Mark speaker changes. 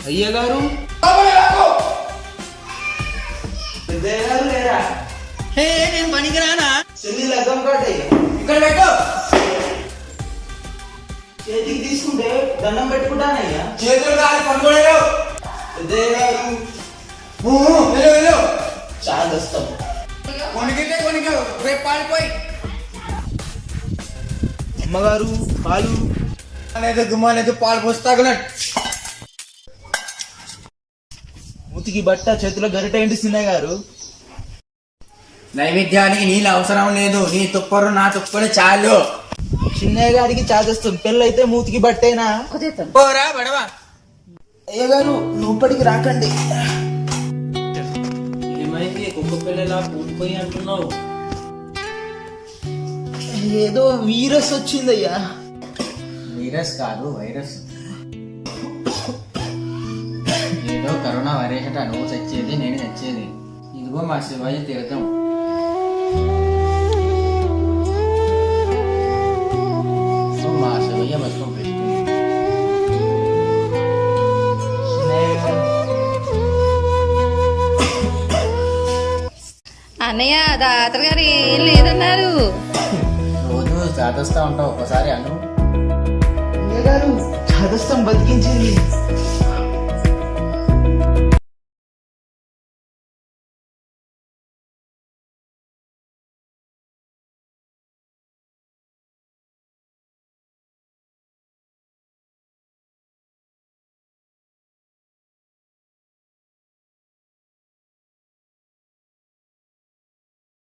Speaker 1: అయ్య గారు పెద్దయ్య గారు లేరా?
Speaker 2: నేను పనికిరానా?
Speaker 1: చెల్లి లగ్గం కాటే
Speaker 2: ఇక్కడ పెట్టు.
Speaker 1: చేతికి తీసుకుంటే దండం పెట్టుకుంటానయ్యా.
Speaker 2: చేతులు కాదు పనుకోలేవు.
Speaker 1: పెద్దయ్య గారు చాలా వస్తాం.
Speaker 2: కొనికితే కొనికావు, రేపు పాడిపోయి
Speaker 1: అమ్మగారు పాలు
Speaker 2: అనేది గుమ్మాలేదు, పాలు పోస్తాగునట్టు.
Speaker 1: మూతికి బట్ట చేతిలో గరిట ఏంటి చిన్నయ్య గారు?
Speaker 2: నైవేద్యానికి నీళ్ళు అవసరం లేదు, నీ తుప్పరు నా తుప్పరు చాలు.
Speaker 1: చిన్నయ్య గారికి చాదస్తాం, పెళ్ళైతే మూతికి బట్టేనా?
Speaker 2: పోరా బడవా.
Speaker 1: అయ్య గారు లోపలికి రాకండి.
Speaker 3: ఏమైంది కుక్క పిల్లలా కూలిపోయి అంటున్నావు?
Speaker 1: ఏదో వీరస్ వచ్చిందయ్యా.
Speaker 2: వైరస్ కాదు, వైరస్. ఏదో కరోనా వైరస్ అట, నువ్వు చచ్చేది నేను చచ్చేది. ఇదిగో మా శివాజీ తీర్థం. మా శివయ్య బతుకం పెట్టుకుంది.
Speaker 4: అన్నయ్య తాతగారు గారు ఏం లేదన్నారు.
Speaker 2: రోజు చాతస్తా ఉంటావు, ఒకసారి అను.
Speaker 1: అయ్య గారు చాదస్తం బతికించింది.